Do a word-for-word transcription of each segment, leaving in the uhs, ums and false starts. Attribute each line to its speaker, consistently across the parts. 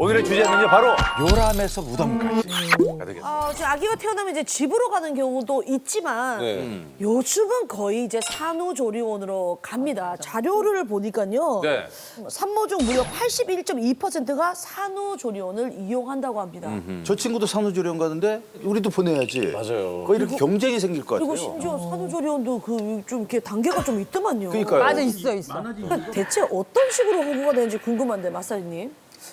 Speaker 1: 오늘의 주제는요 바로 요람에서 무덤까지가 되겠습니다.
Speaker 2: 어, 지금 아기가 태어나면 이제 집으로 가는 경우도 있지만
Speaker 3: 네.
Speaker 2: 요즘은 거의 이제 산후조리원으로 갑니다. 자료를 보니까요.
Speaker 1: 네.
Speaker 2: 산모 중 무려 팔십일 점 이 퍼센트가 산후조리원을 이용한다고 합니다.
Speaker 4: 저 친구도 산후조리원 가는데 우리도 보내야지.
Speaker 3: 맞아요.
Speaker 4: 거의 이렇게 경쟁이 생길 것
Speaker 2: 그리고
Speaker 4: 같아요.
Speaker 2: 심지어 산후조리원도 그 좀 이렇게 단계가 좀 있더만요.
Speaker 4: 그러니까요.
Speaker 5: 맞아, 있어, 있어.
Speaker 2: 대체 어떤 식으로 홍보가 되는지 궁금한데 마사지님.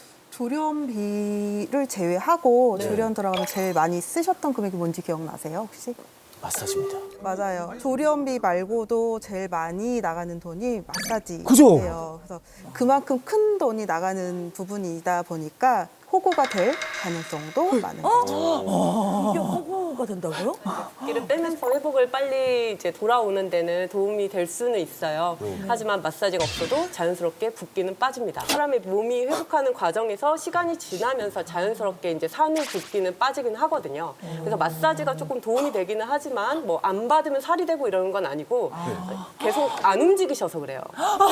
Speaker 6: 조련비를 제외하고 조련 들어가면 제일 많이 쓰셨던 금액이 뭔지 기억나세요, 혹시?
Speaker 3: 마사지입니다.
Speaker 6: 맞아요. 조련비 말고도 제일 많이 나가는 돈이 마사지예요.
Speaker 3: 그죠?
Speaker 6: 그래서 그만큼 큰 돈이 나가는 부분이다 보니까 호구가 될 가능성도 많은 거죠.
Speaker 2: 이게 홍보가 된다고요?
Speaker 7: 붓기를 빼면서 회복을 빨리 이제 돌아오는 데는 도움이 될 수는 있어요. 하지만 마사지가 없어도 자연스럽게 붓기는 빠집니다. 사람의 몸이 회복하는 과정에서 시간이 지나면서 자연스럽게 이제 산후 붓기는 빠지긴 하거든요. 그래서 마사지가 조금 도움이 되기는 하지만 뭐 안 받으면 살이 되고 이러는 건 아니고 계속 안 움직이셔서 그래요.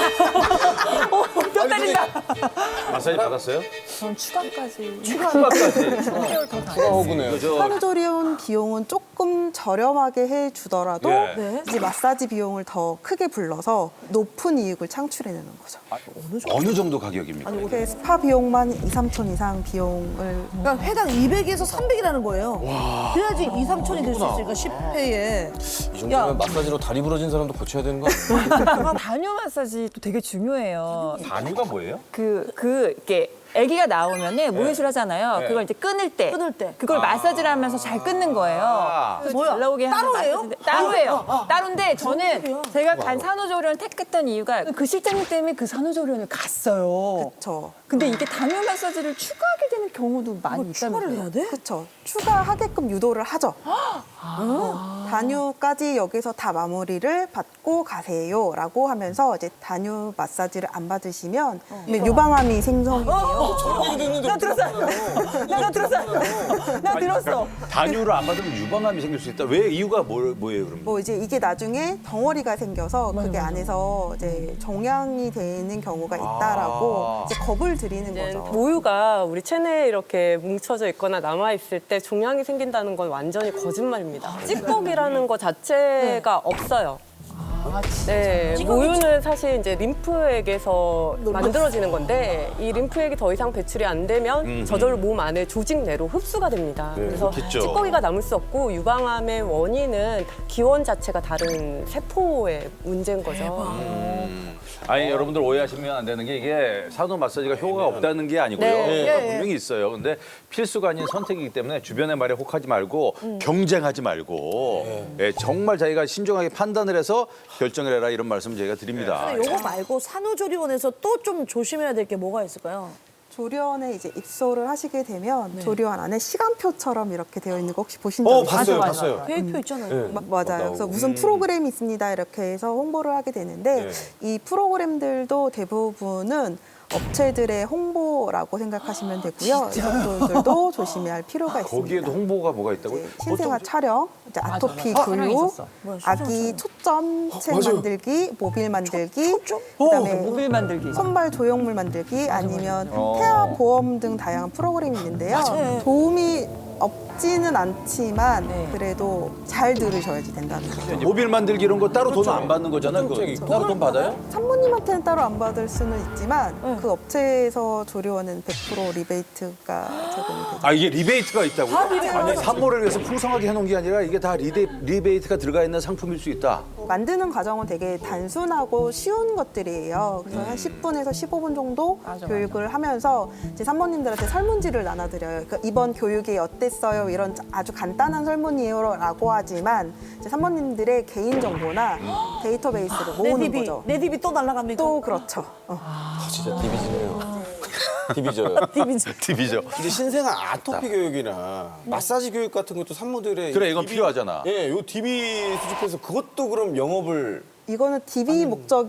Speaker 2: 뼈 때린다.
Speaker 1: 마사지 받았어요?
Speaker 5: 전 추가까지.
Speaker 1: 추가까지.
Speaker 3: 추가 호구네요.
Speaker 6: 산후조리원 비용은 조금 저렴하게 해주더라도
Speaker 1: 예.
Speaker 2: 네.
Speaker 6: 이제 마사지 비용을 더 크게 불러서 높은 이익을 창출해내는 거죠.
Speaker 4: 어느 정도 가격입니까?
Speaker 6: 이렇게 스파 비용만 이, 삼천 이상 비용을
Speaker 2: 그러니까 회당 이백에서 삼백이라는 거예요. 그래야지 이, 삼천이 될 수 있으니까 십 회에.
Speaker 3: 이 정도면 마사지로 다리 부러진 사람도 고쳐야 되는 거 아니에요?
Speaker 5: 단유 마사지도 되게 중요해요.
Speaker 1: 단유가 뭐예요?
Speaker 5: 그, 그, 이렇게 아기가 나오면은 모유술 하잖아요.
Speaker 1: 네.
Speaker 5: 그걸 이제 끊을 때.
Speaker 2: 끊을 때.
Speaker 5: 그걸 마사지를 하면서 잘 끊는 거예요.
Speaker 1: 아.
Speaker 5: 그래서
Speaker 2: 뭐야?
Speaker 5: 잘 나오게 하는
Speaker 2: 따로예요?
Speaker 5: 마사지인데- 따로예요. 따로인데 저는
Speaker 2: 소리야?
Speaker 5: 제가 간 산후조리원을 택했던 이유가 그 실장님 때문에 그 산후조리원을 갔어요.
Speaker 6: 저
Speaker 5: 근데 이게 단유 마사지를 추가하게 되는 경우도 많이
Speaker 2: 추가를
Speaker 5: 있다면서요.
Speaker 2: 해야 돼?
Speaker 6: 그렇죠. 추가하게끔 유도를 하죠. 어, 단유까지 여기서 다 마무리를 받고 가세요라고 하면서 이제 단유 마사지를 안 받으시면 근데 유방암이 생성이 돼요.
Speaker 5: 나 들었어. 나 들었어. 나 들었어.
Speaker 4: 단유를 안 받으면 유방암이 생길 수 있다. 왜 이유가 뭐, 뭐예요, 그럼?
Speaker 6: 뭐 이제 이게 나중에 덩어리가 생겨서 그게 안에서 이제 종양이 되는 경우가 있다라고 이제 겁을 드리는
Speaker 7: 이제
Speaker 6: 거죠.
Speaker 7: 모유가 우리 체내에 이렇게 뭉쳐져 있거나 남아 있을 때 종양이 생긴다는 건 완전히 거짓말입니다. 찌꺼기라는 거 자체가 없어요. 네, 모유는 사실 이제 림프액에서 만들어지는 건데 이 림프액이 더 이상 배출이 안 되면 저절로 몸 안에 조직 내로 흡수가 됩니다. 그래서
Speaker 4: 그렇겠죠.
Speaker 7: 찌꺼기가 남을 수 없고 유방암의 원인은 기원 자체가 다른 세포의 문제인 거죠.
Speaker 1: 아니 여러분들 오해하시면 안 되는 게 이게 산후 마사지가 효과가 없다는 게 아니고요.
Speaker 7: 네.
Speaker 1: 효과가 분명히 있어요. 근데 필수가 아닌 선택이기 때문에 주변의 말에 혹하지 말고 경쟁하지 말고 예, 정말 자기가 신중하게 판단을 해서 결정을 해라 이런 말씀 저희가 드립니다.
Speaker 2: 근데 요거 말고 산후조리원에서 또 좀 조심해야 될 게 뭐가 있을까요?
Speaker 6: 조리원에 이제 입소를 하시게 되면 조리원 안에 시간표처럼 이렇게 되어 있는 거 혹시 보신 적
Speaker 3: 어,
Speaker 6: 있으세요?
Speaker 3: 봤어요, 봤어요.
Speaker 2: 계획표 있잖아요.
Speaker 6: 마- 맞아요. 그래서 무슨 프로그램이 있습니다 이렇게 해서 홍보를 하게 되는데 이 프로그램들도 대부분은 업체들의 홍보라고 생각하시면 되고요. 이것들도 조심해야 할 필요가 있습니다.
Speaker 1: 거기에도 홍보가 뭐가 있다고요?
Speaker 6: 이제 신생아 촬영, 이제 아토피 교육, 아기 초점 책 만들기, 모빌 만들기, 그다음에
Speaker 5: 모빌 만들기.
Speaker 6: 손발 조형물 만들기 아니면 태아 보험 등 다양한 프로그램이 있는데요. 도움이 없지는 않지만 그래도 잘 들으셔야지 된다는 거죠.
Speaker 4: 모빌 만들기 이런 거 따로 돈 안 받는 거잖아요. 그거.
Speaker 3: 따로 돈 받아요?
Speaker 6: 산모님한테는 따로 안 받을 수는 있지만 그 업체에서 조리원은 백 퍼센트 리베이트가 제공이 되죠.
Speaker 4: 아 이게 리베이트가 있다고요? 아니 산모를 위해서 풍성하게 해놓은 게 아니라 이게 다 리데, 리베이트가 들어가 있는 상품일 수 있다.
Speaker 6: 만드는 과정은 되게 단순하고 쉬운 것들이에요. 그래서 한 십 분에서 십오 분 정도 교육을 하면서 이제 산모님들한테 설문지를 나눠드려요. 그러니까 이번 교육이 어땠어요? 이런 아주 간단한 설문이에요라고 하지만 이제 산모님들의 개인 정보나 데이터베이스를
Speaker 2: 내
Speaker 6: 모으는
Speaker 2: 딥이,
Speaker 6: 거죠.
Speaker 2: 내 딥이 또 날아갑니까?
Speaker 6: 또 그렇죠. 어.
Speaker 3: 아, 진짜 디비지네요. 디비져요.
Speaker 2: 딥이지.
Speaker 4: 팁이죠.
Speaker 3: 이제 신생아 아토피 교육이나 마사지 교육 같은 것도 산모들의
Speaker 4: 그래 이건
Speaker 3: 디비-
Speaker 4: 필요하잖아.
Speaker 3: 예, 요 디비 수집해서 그것도 그럼 영업을
Speaker 6: 이거는 디비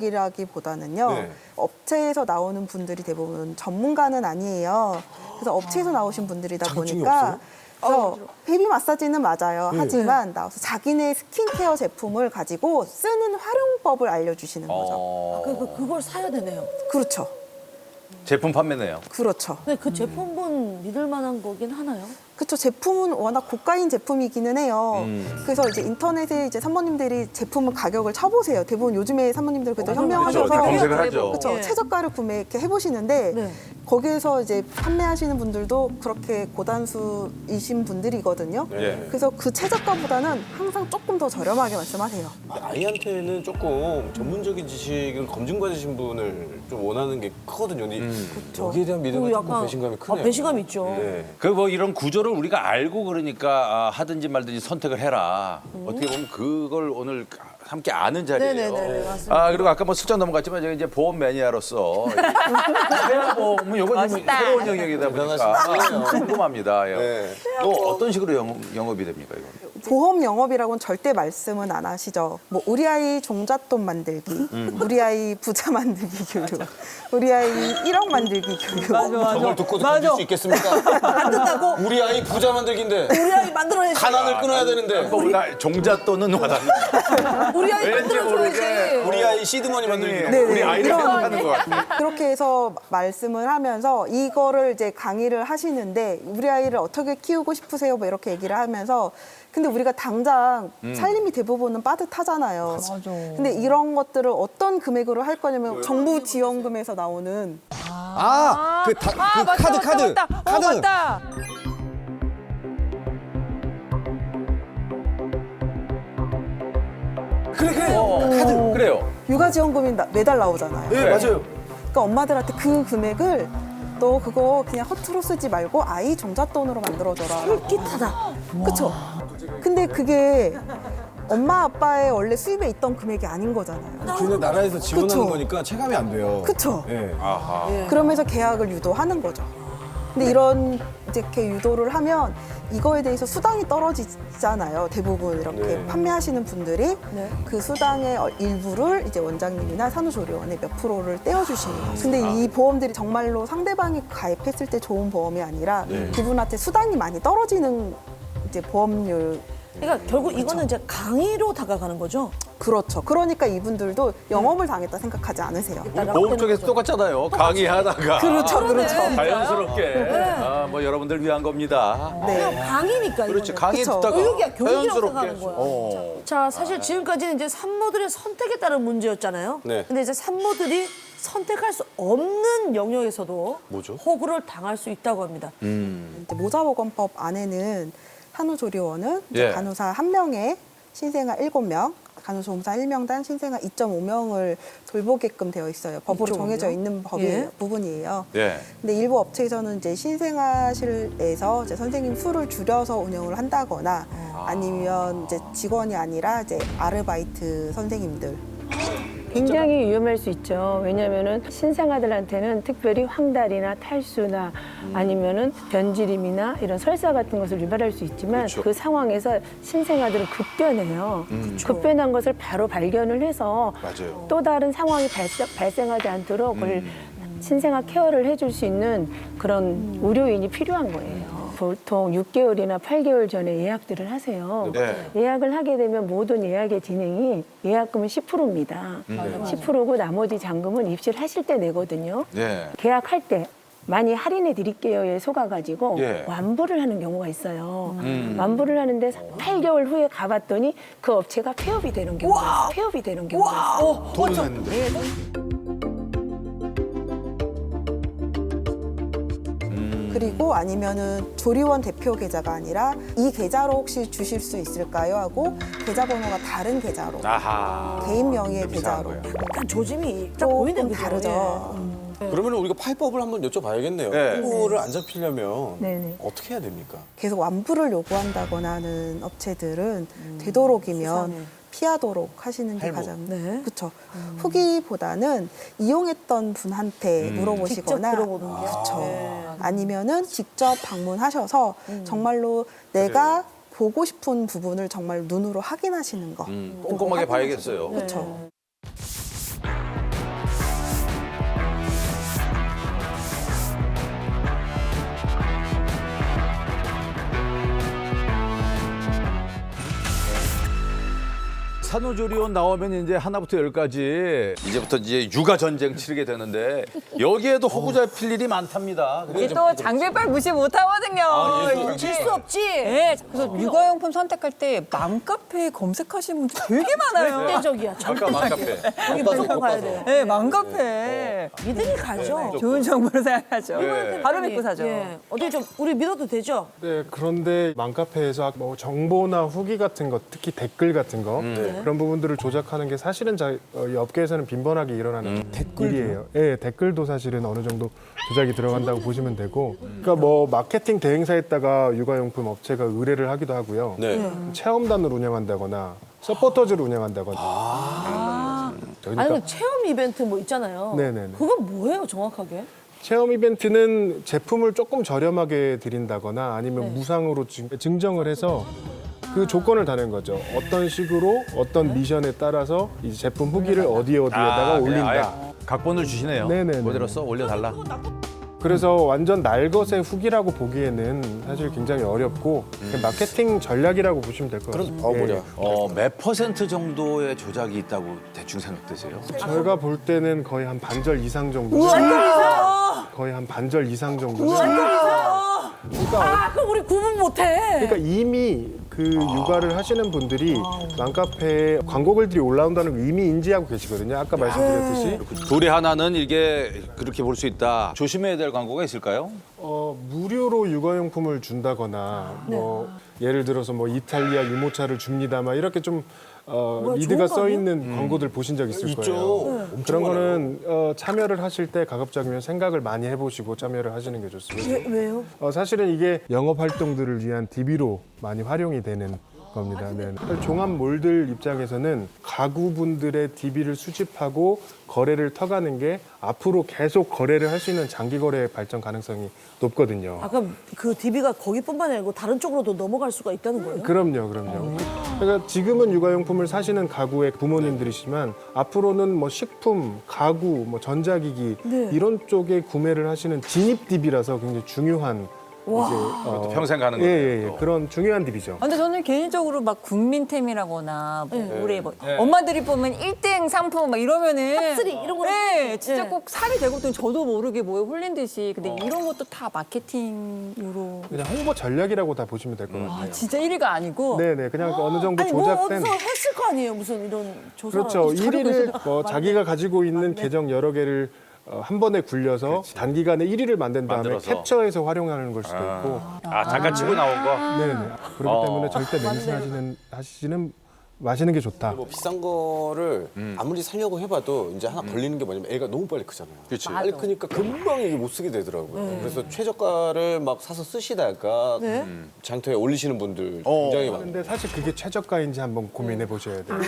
Speaker 6: 목적이라기보다는요.
Speaker 3: 네.
Speaker 6: 업체에서 나오는 분들이 대부분 전문가는 아니에요. 그래서 업체에서 나오신 분들이다
Speaker 3: 자격증이
Speaker 6: 보니까
Speaker 3: 없어요?
Speaker 6: 그래서 베이비 마사지는 맞아요. 하지만 나와서 자기네 스킨케어 제품을 가지고 쓰는 활용법을 알려주시는 거죠.
Speaker 4: 어...
Speaker 2: 그, 그, 그걸 사야 되네요.
Speaker 6: 그렇죠.
Speaker 1: 제품 판매네요.
Speaker 6: 그렇죠.
Speaker 2: 근데 그 제품은 믿을 만한 거긴 하나요?
Speaker 6: 그쵸. 제품은 워낙 고가인 제품이기는 해요. 그래서 이제 인터넷에 이제 산모님들이 제품을 가격을 쳐보세요. 대부분 요즘에 산모님들 그래도 현명하셔서
Speaker 1: 그렇죠. 검색을 하죠.
Speaker 6: 그쵸.
Speaker 2: 예.
Speaker 6: 최저가를 구매 이렇게 해보시는데
Speaker 2: 네.
Speaker 6: 거기에서 이제 판매하시는 분들도 그렇게 고단수이신 분들이거든요.
Speaker 1: 네.
Speaker 6: 그래서 그 최저가보다는 항상 조금 더 저렴하게 말씀하세요.
Speaker 3: 아이한테는 조금 전문적인 지식을 검증받으신 분을 좀 원하는 게 크거든요. 근데 여기에 대한 믿음은
Speaker 2: 그리고
Speaker 3: 조금 배신감이 크네요.
Speaker 2: 아, 배신감 있죠.
Speaker 3: 네.
Speaker 1: 그 뭐 이런 구조를 우리가 알고 그러니까 아, 하든지 말든지 선택을 해라. 어떻게 보면 그걸 오늘 함께 아는 자리예요.
Speaker 2: 네네네, 맞습니다.
Speaker 1: 아 그리고 아까 뭐 슬쩍 넘어갔지만 제가 이제 보험 매니아로서 대학보험은 이건 좀 새로운 영역이다 보니까 아, 궁금합니다. 예.
Speaker 3: 네.
Speaker 1: 또 어떤 식으로 영, 영업이 됩니까 이거?
Speaker 6: 보험 영업이라고는 절대 말씀은 안 하시죠. 뭐 우리 아이 종잣돈 만들기, 우리 아이 부자 만들기 교육, 우리 아이 일억 만들기 교육.
Speaker 3: 저걸 듣고도 견딜 수 있겠습니까?
Speaker 2: 안 된다고?
Speaker 3: 우리 아이 부자 만들기인데
Speaker 2: 우리 아이 만들어야지.
Speaker 3: 가난을 끊어야 되는데
Speaker 1: 뭐 우리가 종잣돈은 와닿는.
Speaker 2: 우리 아이
Speaker 1: 왠지 모르게
Speaker 2: 만들어줘야지.
Speaker 3: 우리 아이 시드머니 만들기.
Speaker 6: 네,
Speaker 1: 우리
Speaker 6: 네,
Speaker 1: 아이를
Speaker 6: 이런-
Speaker 1: 생각하는 것 같아.
Speaker 6: 그렇게 해서 말씀을 하면서 이거를 이제 강의를 하시는데 우리 아이를 어떻게 키우고 싶으세요? 뭐 이렇게 얘기를 하면서 근데 우리가 당장 살림이 대부분은 빠듯하잖아요.
Speaker 2: 맞아.
Speaker 6: 근데 이런 것들을 어떤 금액으로 할 거냐면 정부 지원금에서 나오는
Speaker 3: 아, 그, 다,
Speaker 5: 아,
Speaker 3: 그
Speaker 5: 맞다,
Speaker 3: 카드,
Speaker 5: 맞다,
Speaker 3: 카드,
Speaker 5: 맞다.
Speaker 3: 카드.
Speaker 5: 어, 맞다.
Speaker 3: 그래, 그래.
Speaker 1: 어, 카드 그래요.
Speaker 6: 육아 지원금이 나- 매달 나오잖아요.
Speaker 3: 네, 맞아요.
Speaker 6: 그러니까 엄마들한테 그 금액을 너 그거 그냥 허투루 쓰지 말고 아이 종잣돈으로 만들어줘라.
Speaker 2: 솔깃하다.
Speaker 6: 그쵸? 근데 그게 엄마 아빠의 원래 수입에 있던 금액이 아닌 거잖아요.
Speaker 3: 그냥 나라에서 지원하는
Speaker 6: 그쵸.
Speaker 3: 거니까 체감이 안 돼요.
Speaker 6: 그쵸?
Speaker 3: 네.
Speaker 6: 그러면서 계약을 유도하는 거죠. 근데 이런 이제 이렇게 유도를 하면 이거에 대해서 수당이 떨어지잖아요. 대부분 이렇게
Speaker 3: 네.
Speaker 6: 판매하시는 분들이
Speaker 2: 네.
Speaker 6: 그 수당의 일부를 이제 원장님이나 산후조리원에 몇 프로를 떼어주시는 거예요. 근데 이 보험들이 정말로 상대방이 가입했을 때 좋은 보험이 아니라 그분한테 수당이 많이 떨어지는 이제 보험료.
Speaker 2: 그러니까 결국 이거는 이제 강의로 다가가는 거죠.
Speaker 6: 그렇죠. 그러니까 이분들도 영업을 당했다 생각하지 않으세요.
Speaker 1: 우리 보험 쪽에서 똑같잖아요. 강의하다가
Speaker 6: 그렇죠, 그렇죠.
Speaker 1: 자연스럽게 아, 뭐 여러분들 위한 겁니다.
Speaker 6: 네.
Speaker 2: 강의니까
Speaker 1: 그렇지
Speaker 2: 이거는.
Speaker 1: 강의
Speaker 6: 그쵸.
Speaker 1: 듣다가
Speaker 2: 교육이야, 교육이라고
Speaker 1: 자연스럽게
Speaker 2: 생각하는 거야.
Speaker 1: 어.
Speaker 2: 자, 사실 지금까지는 이제 산모들의 선택에 따른 문제였잖아요.
Speaker 3: 네.
Speaker 2: 근데 이제 산모들이 선택할 수 없는 영역에서도
Speaker 3: 뭐죠?
Speaker 2: 호구를 당할 수 있다고 합니다.
Speaker 6: 이제 모자보건법 안에는 산후조리원은 이제
Speaker 1: 예.
Speaker 6: 간호사 한 명에 신생아 일곱 명, 간호조무사 일 명당 신생아 이 점 오 명을 돌보게끔 되어 있어요. 법으로
Speaker 2: 이 점 오 명?
Speaker 6: 정해져 있는 법이
Speaker 2: 예.
Speaker 6: 부분이에요.
Speaker 1: 예.
Speaker 6: 근데 일부 업체에서는 이제 신생아실에서 이제 선생님 수를 줄여서 운영을 한다거나 아니면 이제 직원이 아니라 이제 아르바이트 선생님들
Speaker 8: 굉장히 위험할 수 있죠. 왜냐하면은 신생아들한테는 특별히 황달이나 탈수나 아니면은 변지림이나 이런 설사 같은 것을 유발할 수 있지만
Speaker 1: 그렇죠.
Speaker 8: 그 상황에서 신생아들은 급변해요. 급변한 것을 바로 발견을 해서
Speaker 1: 맞아요.
Speaker 8: 또 다른 상황이 발생, 발생하지 않도록 그걸 신생아 케어를 해줄 수 있는 그런 의료인이 필요한 거예요. 보통 육 개월이나 팔 개월 전에 예약들을 하세요.
Speaker 1: 네.
Speaker 8: 예약을 하게 되면 모든 예약의 진행이 예약금은 십 퍼센트입니다. 십 퍼센트고 나머지 잔금은 입실 하실 때 내거든요.
Speaker 1: 네.
Speaker 8: 계약할 때 많이 할인해 드릴게요에 속아가지고
Speaker 1: 예.
Speaker 8: 완부를 하는 경우가 있어요. 완부를 하는데 팔 개월 후에 가봤더니 그 업체가 폐업이 되는 경우가 있어요. 폐업이 되는 경우가 있어요.
Speaker 1: 돈은 했는데.
Speaker 6: 그리고 아니면은 조리원 대표 계좌가 아니라 이 계좌로 혹시 주실 수 있을까요? 하고 계좌번호가 다른 계좌로
Speaker 1: 아하.
Speaker 6: 개인 명의의
Speaker 1: 좀 이상한
Speaker 6: 계좌로
Speaker 1: 거예요.
Speaker 2: 약간 조짐이 딱 보이는
Speaker 6: 조금
Speaker 2: 거죠.
Speaker 6: 다르죠.
Speaker 3: 그러면 우리가 파이법을 한번 여쭤봐야겠네요.
Speaker 1: 네.
Speaker 3: 홍보를 안 잡히려면
Speaker 8: 네네.
Speaker 3: 어떻게 해야 됩니까?
Speaker 6: 계속 완부를 요구한다거나 하는 업체들은 되도록이면 피하도록 하시는 게
Speaker 3: 할부.
Speaker 6: 가장
Speaker 2: 네.
Speaker 6: 그렇죠. 후기보다는 이용했던 분한테
Speaker 2: 직접
Speaker 6: 물어보시거나
Speaker 2: 들어보는 게.
Speaker 6: 그렇죠.
Speaker 2: 네.
Speaker 6: 아니면은 직접 방문하셔서 정말로 내가 보고 싶은 부분을 정말 눈으로 확인하시는 거.
Speaker 1: 음, 꼼꼼하게 봐야겠어요.
Speaker 6: 그렇죠.
Speaker 1: 산후조리원 나오면 이제 하나부터 열까지 이제부터 이제 육아 전쟁 치르게 되는데 여기에도 허구 잡힐 일이 많답니다.
Speaker 5: 이게 또 장비빨 무시 못하거든요.
Speaker 2: 질 수 없지.
Speaker 5: 네, 그래서 육아용품 선택할 때 맘카페 검색하시는 분들 되게 많아요.
Speaker 2: 절대적이야.
Speaker 1: 아까 맘카페.
Speaker 2: 여기 무조건 가야 돼요.
Speaker 5: 네, 맘카페.
Speaker 2: 믿음이 가죠.
Speaker 5: 좋은 정보로 생각하죠.
Speaker 1: 네.
Speaker 5: 바로 믿고 사죠.
Speaker 2: 예. 어디 좀 우리 믿어도 되죠?
Speaker 9: 네, 그런데 맘카페에서 뭐 정보나 후기 같은 거, 특히 댓글 같은 거 그런 부분들을 조작하는 게 사실은 자, 어, 이 업계에서는 빈번하게 일어나는 일이에요. 예, 댓글도 사실은 어느 정도 조작이 들어간다고 보시면 되고, 그러니까 뭐 마케팅 대행사에다가 육아용품 업체가 의뢰를 하기도 하고요.
Speaker 3: 네.
Speaker 9: 체험단을 운영한다거나 서포터즈를 운영한다거나. 그러니까
Speaker 2: 아니 그 체험 이벤트 뭐 있잖아요.
Speaker 9: 네네네.
Speaker 2: 그건 뭐예요 정확하게?
Speaker 9: 체험 이벤트는 제품을 조금 저렴하게 드린다거나 아니면 무상으로 증- 증정을 해서 그 조건을 다는 거죠. 어떤 식으로 어떤 미션에 따라서 이 제품 후기를 어디에 어디에다가
Speaker 1: 아, 그냥
Speaker 9: 올린다.
Speaker 1: 아예 각본을 주시네요.
Speaker 9: 네네네.
Speaker 1: 그대로 써 올려달라.
Speaker 9: 그래서 완전 날것의 후기라고 보기에는 사실 굉장히 어렵고 그냥 마케팅 전략이라고 보시면 될 것 같아요.
Speaker 3: 어, 뭐냐.
Speaker 1: 어, 몇 퍼센트 정도의 조작이 있다고 대충 생각되세요?
Speaker 9: 저희가 볼 때는 거의 한 반절 이상 정도. 거의 한 반절 이상 정도.
Speaker 2: 아 그럼 우리 구분 못해.
Speaker 9: 그러니까 이미 그 육아를 하시는 분들이 맘카페에 광고 글들이 올라온다는 걸 이미 인지하고 계시거든요. 아까 말씀드렸듯이.
Speaker 1: 둘이 하나는 이게 그렇게 볼 수 있다. 조심해야 될 광고가 있을까요?
Speaker 9: 어, 무료로 육아용품을 준다거나 뭐 예를 들어서 뭐 이탈리아 유모차를 줍니다. 막 이렇게 좀 어,
Speaker 2: 뭐야,
Speaker 9: 리드가
Speaker 2: 좋은 거
Speaker 9: 써
Speaker 2: 아니야?
Speaker 9: 있는 광고들 보신 적 있을
Speaker 3: 있죠.
Speaker 9: 거예요.
Speaker 3: 엄청
Speaker 9: 그런
Speaker 3: 많아요.
Speaker 9: 거는 어, 참여를 하실 때 가급적이면 생각을 많이 해보시고 참여를 하시는 게 좋습니다.
Speaker 2: 왜, 왜요?
Speaker 9: 어, 사실은 이게 영업 활동들을 위한 디비로 많이 활용이 되는 겁니다. 네. 종합몰들 입장에서는 가구분들의 디비를 수집하고 거래를 터가는 게 앞으로 계속 거래를 할 수 있는 장기 거래 발전 가능성이 높거든요.
Speaker 2: 아까 그 디비가 거기뿐만 아니고 다른 쪽으로도 넘어갈 수가 있다는 거예요?
Speaker 9: 그럼요, 그럼요. 그러니까 지금은 육아용품을 사시는 가구의 부모님들이시만 앞으로는 뭐 식품, 가구, 뭐 전자기기
Speaker 2: 네.
Speaker 9: 이런 쪽에 구매를 하시는 진입 디비라서 굉장히 중요한 이제 어,
Speaker 1: 평생 가는
Speaker 9: 예,
Speaker 1: 거네요,
Speaker 9: 예, 예.
Speaker 1: 또.
Speaker 9: 그런 중요한 디비죠.
Speaker 5: 아, 근데 저는 개인적으로 막 국민템이라거나 뭐
Speaker 2: 네.
Speaker 5: 올해 뭐 엄마들이 보면 일 등 상품 막 이러면은
Speaker 2: 탑쓰리 이런 거는
Speaker 5: 네, 진짜
Speaker 2: 네.
Speaker 5: 꼭 살이 되거든. 저도 모르게 뭐에 홀린 듯이. 근데 이런 것도 다 마케팅으로.
Speaker 9: 그냥 홍보 전략이라고 다 보시면 될 것 같아요.
Speaker 5: 아, 진짜 일 위가 아니고.
Speaker 9: 네네, 그냥 어느 정도
Speaker 2: 아니 뭐
Speaker 9: 조작된.
Speaker 2: 어디서 했을 거 아니에요 무슨 이런 조사.
Speaker 9: 그렇죠.
Speaker 2: 자료가
Speaker 9: 일 위를
Speaker 2: 있어서.
Speaker 9: 뭐 자기가 가지고 있는 계정 여러 개를 어, 한 번에 굴려서 단기간에 일 위를 만든 다음에
Speaker 1: 만들어서.
Speaker 9: 캡처해서 활용하는 걸 수도 있고.
Speaker 1: 아, 잠깐 치고 나온 거?
Speaker 9: 네네. 그렇기
Speaker 1: 어.
Speaker 9: 때문에 절대 맹세하시는 하시는 마시는 게 좋다.
Speaker 3: 뭐 비싼 거를
Speaker 1: 음.
Speaker 3: 아무리 살려고 해봐도 이제 하나 걸리는 게 뭐냐면 애가 너무 빨리 크잖아요.
Speaker 1: 그치.
Speaker 3: 빨리 크니까 금방 이게 못 쓰게 되더라고요. 그래서 최저가를 막 사서 쓰시다가
Speaker 2: 네.
Speaker 3: 음, 장터에 올리시는 분들
Speaker 1: 어.
Speaker 3: 굉장히 많아요.
Speaker 9: 근데 사실 그게 최저가인지 한번 고민해 보셔야 돼요.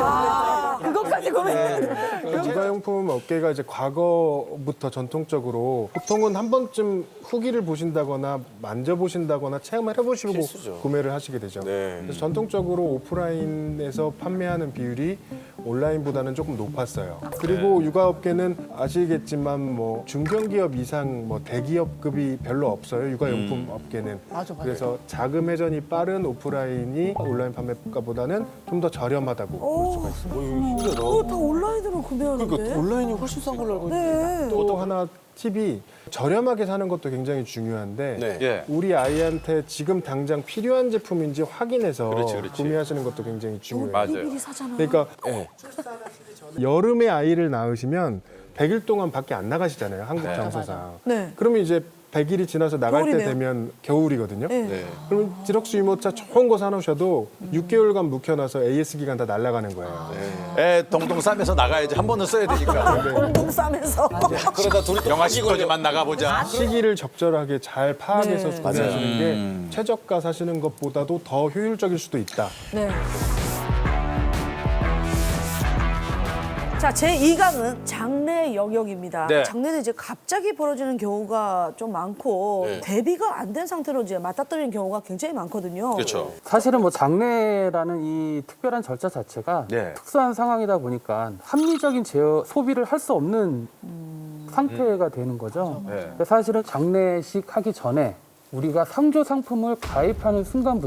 Speaker 5: 그것까지 고민해야 돼.
Speaker 9: 그러니까 육아용품 업계가 이제 과거부터 전통적으로 보통은 한 번쯤 후기를 보신다거나 만져보신다거나 체험을 해보시고
Speaker 3: 필수죠.
Speaker 9: 구매를 하시게 되죠.
Speaker 3: 네.
Speaker 9: 그래서 전통적으로 오프라인에서 판매하는 비율이 온라인보다는 조금 높았어요. 그리고 육아업계는 아시겠지만 뭐 중견기업 이상 뭐 대기업급이 별로 없어요. 육아용품 업계는.
Speaker 2: 맞아, 맞아.
Speaker 9: 그래서 자금 회전이 빠른 오프라인이 온라인 판매가보다는 좀 더 저렴하다고 볼 수가 있습니다.
Speaker 3: 신기하다.
Speaker 2: 그거 다 온라인으로 구매하는데.
Speaker 3: 그러니까 온라인이 훨씬 싼 걸로 알고 있는데.
Speaker 2: 네.
Speaker 9: 또 하나 팁이 저렴하게 사는 것도 굉장히 중요한데
Speaker 3: 네.
Speaker 1: 예.
Speaker 9: 우리 아이한테 지금 당장 필요한 제품인지 확인해서
Speaker 1: 그렇지, 그렇지.
Speaker 9: 구매하시는 것도 굉장히 중요해요.
Speaker 1: 맞아요.
Speaker 2: 미리 사잖아.
Speaker 9: 그러니까
Speaker 3: 네.
Speaker 9: 여름에 아이를 낳으시면 백 일 동안 밖에 안 나가시잖아요. 한국 정서상.
Speaker 2: 네.
Speaker 9: 그러면 이제 백 일이 지나서 나갈 때
Speaker 2: 겨울이네요.
Speaker 9: 되면 겨울이거든요.
Speaker 2: 네.
Speaker 3: 네.
Speaker 9: 그러면 디럭스 유모차 좋은 거 사놓으셔도 육 개월간 묵혀놔서 에이에스 기간 다 날아가는 거예요.
Speaker 1: 애 동동 싸면서 나가야지. 한 번은 써야 되니까.
Speaker 2: 공동 싸면서.
Speaker 3: 그러다 둘이 또
Speaker 1: 영화 시거지만 나가보자.
Speaker 9: 시기를 적절하게 잘 파악해서
Speaker 2: 네.
Speaker 9: 구매하시는 게 최저가 사시는 것보다도 더 효율적일 수도 있다.
Speaker 2: 네. 자, 제이 강은 장래 영역입니다.
Speaker 1: 네.
Speaker 2: 장래는 이제 갑자기 벌어지는 경우가 좀 많고
Speaker 3: 네.
Speaker 2: 대비가 안 된 상태로 이제 맞닥뜨리는 경우가 굉장히 많거든요.
Speaker 1: 그렇죠.
Speaker 10: 사실은 뭐 장래라는 이 특별한 절차 자체가
Speaker 1: 네.
Speaker 10: 특수한 상황이다 보니까 합리적인 제어, 소비를 할 수 없는 상태가 되는 거죠.
Speaker 1: 네.
Speaker 10: 근데 사실은 장례식 하기 전에 우리가 상조 상품을 가입하는 순간부터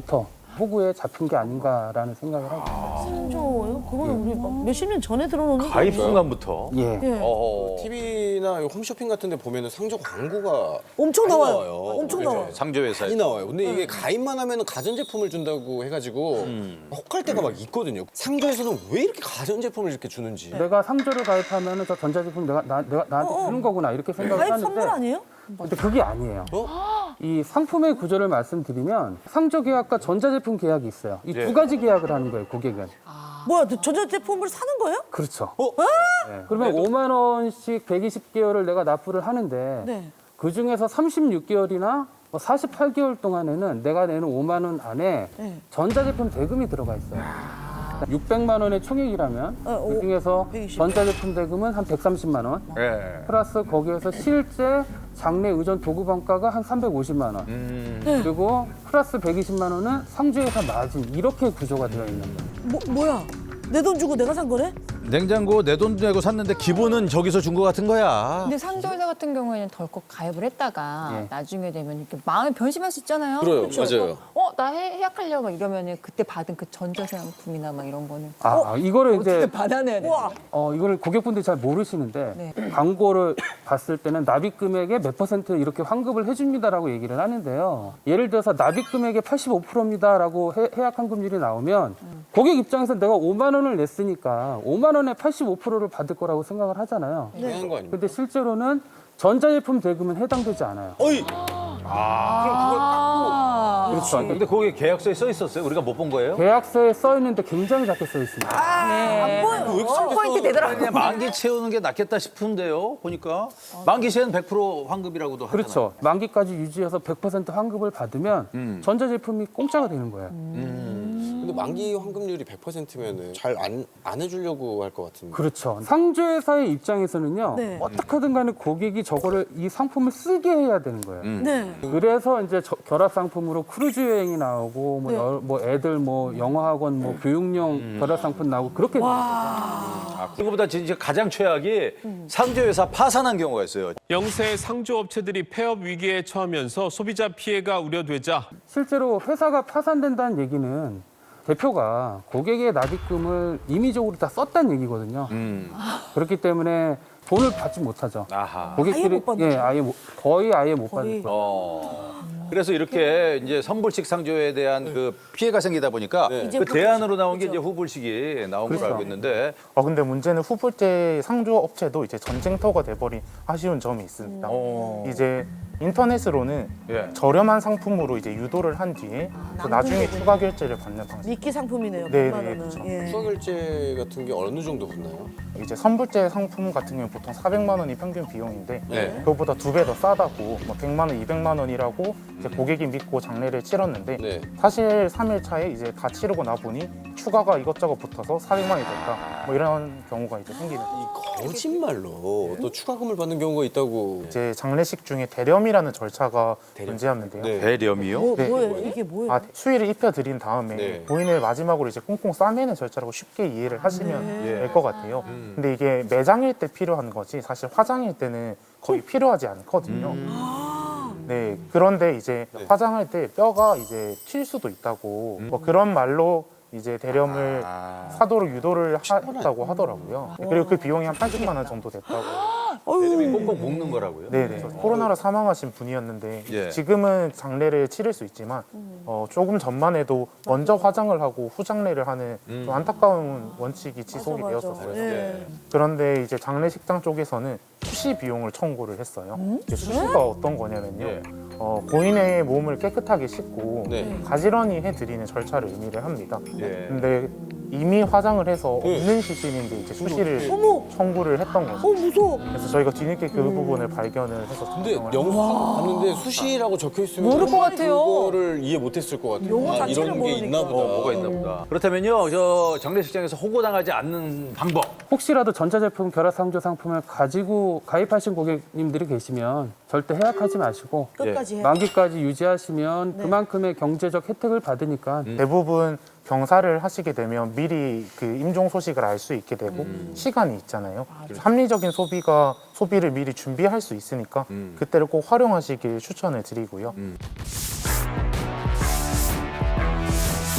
Speaker 10: 호구에 잡힌 게 아닌가라는 생각을 하고
Speaker 2: 상조요? 그건 우리 막 몇십 년 전에 들어놓은
Speaker 1: 가입 순간부터.
Speaker 10: 예.
Speaker 2: 예.
Speaker 1: 어.
Speaker 3: 티비나 홈쇼핑 같은 데 보면은 상조 광고가
Speaker 2: 엄청
Speaker 3: 많이
Speaker 2: 나와요.
Speaker 3: 나와요.
Speaker 2: 엄청
Speaker 3: 그죠?
Speaker 2: 나와요.
Speaker 1: 상조회사에.
Speaker 3: 많이 나와요. 근데 이게 가입만 하면은 가전제품을 준다고 해가지고 혹할 때가 막 있거든요. 상조에서는 왜 이렇게 가전제품을 이렇게 주는지.
Speaker 10: 내가 상조를 가입하면은 저 전자제품 내가 나, 내가 나한테
Speaker 2: 어, 어.
Speaker 10: 주는 거구나 이렇게 생각을
Speaker 2: 가입
Speaker 10: 하는데
Speaker 2: 선물 아니에요?
Speaker 10: 근데 그게 아니에요.
Speaker 3: 어?
Speaker 10: 이 상품의 구조를 말씀드리면 상조 계약과 전자제품 계약이 있어요. 이 두
Speaker 1: 예.
Speaker 10: 가지 계약을 하는 거예요, 고객은.
Speaker 2: 뭐야, 너 전자제품을 사는 거예요?
Speaker 10: 그렇죠.
Speaker 3: 어?
Speaker 10: 네. 그러면 오만 원씩 백이십 개월을 내가 납부를 하는데
Speaker 2: 네.
Speaker 10: 그 중에서 삼십육 개월이나 뭐 사십팔 개월 동안에는 내가 내는 오만 원 안에
Speaker 2: 네.
Speaker 10: 전자제품 대금이 들어가 있어요. 육백만 원의 총액이라면
Speaker 2: 어, 오,
Speaker 10: 그 중에서
Speaker 2: 백이십.
Speaker 10: 전자제품 대금은 한 백삼십만 원
Speaker 1: 예.
Speaker 10: 플러스 거기에서 실제 장내 의전 도구 반가가 한 삼백오십만 원
Speaker 1: 음.
Speaker 10: 그리고 플러스 백이십만 원은 상조회사 마진 이렇게 구조가 되어 있는 거예요.
Speaker 2: 뭐, 뭐야? 내 돈 주고 내가 산 거네?
Speaker 1: 냉장고 내 돈 내고 샀는데 기본은 저기서 준 거 같은 거야.
Speaker 5: 근데 상조회사 같은 경우에는 덜컥 가입을 했다가
Speaker 10: 예.
Speaker 5: 나중에 되면 이렇게 마음이 변심할 수 있잖아요.
Speaker 3: 그래요,
Speaker 5: 그렇죠?
Speaker 3: 맞아요.
Speaker 5: 어, 나 해, 해약하려고 막 이러면은 그때 받은 그 전자상품이나 막 이런 거는
Speaker 10: 아, 이거를 이제
Speaker 5: 받아내야 돼.
Speaker 10: 어, 이걸 고객분들이 잘 모르시는데
Speaker 5: 네.
Speaker 10: 광고를 봤을 때는 납입 금액의 몇 퍼센트 이렇게 환급을 해줍니다라고 얘기를 하는데요. 예를 들어서 납입 금액의 팔십오 퍼센트입니다라고 해약 환급률이 나오면 고객 입장에서 내가 오만 원을 냈으니까 오만 원에 팔십오 퍼센트를 받을 거라고 생각을 하잖아요.
Speaker 3: 당연한 거 아닙니까?
Speaker 10: 근데 실제로는 전자제품 대금은 해당되지 않아요.
Speaker 3: 어이!
Speaker 5: 아,
Speaker 10: 그렇죠.
Speaker 1: 근데 거기 계약서에 써 있었어요? 우리가 못 본 거예요?
Speaker 10: 계약서에 써 있는데 굉장히 작게 써 있습니다.
Speaker 5: 네. 포인트 되더라고요.
Speaker 1: 그냥 만기 채우는 게 낫겠다 싶은데요. 보니까 만기 시에는 백 퍼센트 환급이라고도 하잖아요.
Speaker 10: 그렇죠. 만기까지 유지해서 백 퍼센트 환급을 받으면
Speaker 1: 음.
Speaker 10: 전자제품이 공짜가 되는 거예요.
Speaker 3: 근데 만기 환급률이 백 퍼센트면은 잘 안 안 해주려고 할 것 같은데.
Speaker 10: 그렇죠. 상조회사의 입장에서는요.
Speaker 2: 네.
Speaker 10: 어떻게든 간에 고객이 저거를 이 상품을 쓰게 해야 되는 거예요.
Speaker 2: 네.
Speaker 10: 그래서 이제 저- 결합 상품으로 크루즈 여행이 나오고 뭐,
Speaker 2: 네.
Speaker 10: 여- 뭐 애들 뭐 영어 학원 뭐 교육용 결합 상품 나오고 그렇게
Speaker 1: 아, 그거보다 진짜 가장 최악이 상조회사 파산한 경우가 있어요.
Speaker 11: 영세 상조업체들이 폐업 위기에 처하면서 소비자 피해가 우려되자
Speaker 10: 실제로 회사가 파산된다는 얘기는 대표가 고객의 납입금을 임의적으로 다 썼다는 얘기거든요.
Speaker 1: 음.
Speaker 10: 그렇기 때문에 돈을 받지 못하죠.
Speaker 1: 아하.
Speaker 2: 아예
Speaker 10: 고객들이
Speaker 2: 못 받는
Speaker 10: 예, 아예 못- 거의 아예 못
Speaker 2: 거의.
Speaker 10: 받을 거예요.
Speaker 1: 어. 그래서 이렇게 이제 선불식 상조에 대한 그 피해가 생기다 보니까
Speaker 2: 이제
Speaker 1: 그 대안으로 나온 게
Speaker 2: 그렇죠.
Speaker 1: 이제 후불식이 나온 걸로
Speaker 10: 그렇죠.
Speaker 1: 알고 있는데
Speaker 12: 어 근데 문제는 후불제 상조 업체도 이제 전쟁터가 돼버린 아쉬운 점이 있습니다.
Speaker 1: 어.
Speaker 12: 이제 인터넷으로는
Speaker 1: 예.
Speaker 12: 저렴한 상품으로 이제 유도를 한 뒤에 또 나중에 추가 결제를 받는 방식.
Speaker 2: 미끼 상품이네요.
Speaker 12: 네,
Speaker 2: 백만
Speaker 12: 네,
Speaker 2: 원은.
Speaker 12: 그렇죠.
Speaker 2: 예.
Speaker 3: 추가 결제 같은 게 어느 정도 붙나요?
Speaker 12: 이제 선불제 상품 같은 경우는 보통 사백만 원이 평균 비용인데
Speaker 1: 네.
Speaker 12: 그것보다 두 배 더 싸다고 뭐 백만 원, 이백만 원이라고 이제 고객이 믿고 장례를 치렀는데
Speaker 3: 네.
Speaker 12: 사실 삼 일 차에 이제 다 치르고 나 보니 추가가 이것저것 붙어서 사백만 원이 됐다. 뭐 이런 경우가 이제 생기는.
Speaker 3: 이 거짓말로 또 추가금을 받는 경우가 있다고.
Speaker 12: 이제 장례식 중에 대렴이라는 절차가 존재하는데요.
Speaker 3: 네.
Speaker 1: 대렴이요?
Speaker 2: 뭐,
Speaker 12: 네.
Speaker 2: 뭐예요? 이게 뭐예요?
Speaker 12: 아, 수의를 입혀드린 다음에
Speaker 3: 네.
Speaker 12: 고인을 마지막으로 이제 꽁꽁 싸매는 절차라고 쉽게 이해를 하시면
Speaker 1: 네.
Speaker 12: 될 것 같아요. 근데 이게 매장일 때 필요한 거지 사실 화장일 때는 거의 필요하지 않거든요. 네, 그런데 이제
Speaker 3: 네.
Speaker 12: 화장할 때 뼈가 이제 튈 수도 있다고 뭐 그런 말로 이제 대렴을
Speaker 1: 아.
Speaker 12: 사도록 유도를 하, 했다고 하더라고요. 그리고 그 비용이 한 팔십만 원 정도 됐다고.
Speaker 1: 대렴이 꽁꽁 묶는 거라고요?
Speaker 12: 네네. 코로나로 사망하신 분이었는데
Speaker 1: 예.
Speaker 12: 지금은 장례를 치를 수 있지만 어, 조금 전만 해도 먼저 화장을 하고 후 장례를 하는 좀 안타까운 원칙이 지속이
Speaker 2: 맞아, 맞아.
Speaker 12: 되었었어요.
Speaker 2: 예.
Speaker 12: 그런데 이제 장례식장 쪽에서는 수시 비용을 청구를 했어요. 이제 수시가 어떤 거냐면요.
Speaker 1: 예.
Speaker 12: 어, 고인의 몸을 깨끗하게 씻고
Speaker 3: 네.
Speaker 12: 가지런히 해드리는 절차를 의미를 합니다.
Speaker 1: 예.
Speaker 12: 근데 이미 화장을 해서
Speaker 3: 네.
Speaker 12: 없는 시신인데 이제 수시를
Speaker 2: 어머!
Speaker 12: 청구를 했던 거죠.
Speaker 2: 어, 무서워.
Speaker 12: 그래서 저희가 뒤늦게 그 부분을 발견을 해서
Speaker 3: 근데
Speaker 12: 작성을
Speaker 3: 영상 봤는데 수시라고 적혀 있으면
Speaker 5: 모를 것 같아요.
Speaker 3: 그거를 이해 못했을 것 같아요.
Speaker 2: 용어
Speaker 3: 아,
Speaker 2: 자체를
Speaker 3: 이런 게 있나
Speaker 2: 모르니까.
Speaker 3: 보다.
Speaker 1: 어, 뭐가 있나 보다. 그렇다면요, 저 장례식장에서 호고당하지 않는 방법.
Speaker 10: 혹시라도 전자제품 결합 상조 상품을 가지고 가입하신 고객님들이 계시면 절대 해약하지 마시고
Speaker 2: 끝까지 해.
Speaker 10: 만기까지 유지하시면 그만큼의 경제적 혜택을 받으니까
Speaker 12: 대부분 병사를 하시게 되면 미리 그 임종 소식을 알 수 있게 되고 시간이 있잖아요. 합리적인 소비가 소비를 미리 준비할 수 있으니까 그때를 꼭 활용하시길 추천을 드리고요.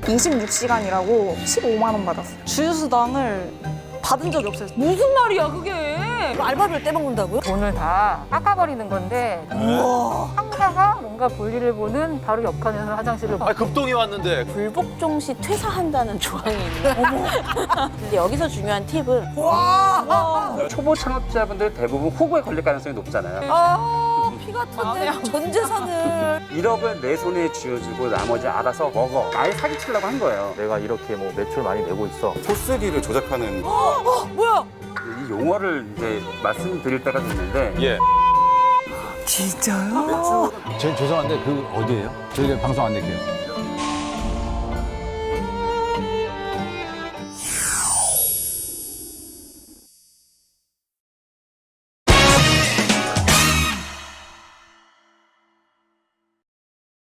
Speaker 13: 이십육 시간이라고 십오만 원 받았어요. 주휴수당을 받은 적이 없어요.
Speaker 2: 무슨 말이야 그게? 알바비를 떼먹는다고요?
Speaker 14: 돈을 다 깎아버리는 건데 상사가 뭔가 볼일을 보는 바로 옆칸에서 화장실을
Speaker 1: 아 급동이 왔는데
Speaker 15: 불복종 시 퇴사한다는 조항이 있는. 근데 여기서 중요한 팁은
Speaker 10: 초보 창업자분들 대부분 호구에 걸릴 가능성이 높잖아요.
Speaker 2: 아, 피 같은데 전 재산을.
Speaker 10: 일억을 내 손에 쥐어주고 나머지 알아서 먹어. 아예 사기치려고 한 거예요.
Speaker 16: 내가 이렇게 뭐 매출 많이 내고 있어.
Speaker 3: 포스기를 조작하는.
Speaker 2: 어, 어, 뭐야?
Speaker 10: 이 용어를 이제 말씀드릴 때가 됐는데
Speaker 1: 예.
Speaker 2: 진짜요?
Speaker 1: 제, 죄송한데 그 어디예요? 저희가 방송 안 낼게요.